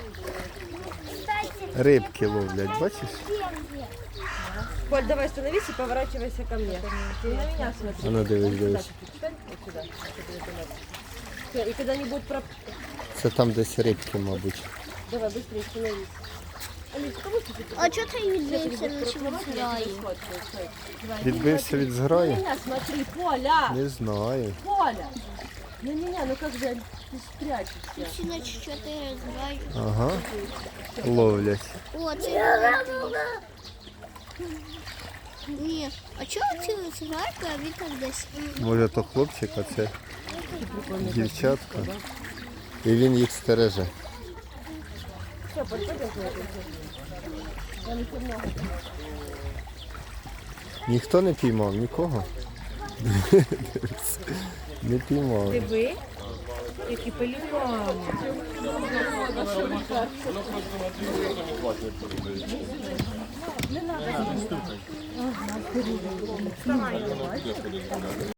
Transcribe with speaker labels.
Speaker 1: Рибки ловлять, бачиш?
Speaker 2: Коль, давай становись и поворачивайся ко мне. Ты на меня смотри.
Speaker 1: А ну дивись, дивись.
Speaker 2: Встань вот сюда. Всё, и когда-нибудь про...
Speaker 1: Це там десь рибки, мабуть.
Speaker 2: Давай, быстрее становись. Алис, кому ты тут?
Speaker 3: А чого ти відбився на зграю?
Speaker 1: Відбився від
Speaker 2: На
Speaker 1: зграї?
Speaker 2: меня смотри, Поля!
Speaker 1: Не знаю.
Speaker 2: Поля! На меня, ну как же ты спрячешься?
Speaker 3: Всі на 4 зграю.
Speaker 1: Ага. Ловлять.
Speaker 3: О, це ні. А чого ці зграйка, а він так десь?
Speaker 1: Може то хлопчик, а це дівчатка. І він їх стереже.
Speaker 2: Все, подходи. Там еще много.
Speaker 1: Ніхто не піймав, нікого. Не піймав.
Speaker 2: Ви? Які пелікани.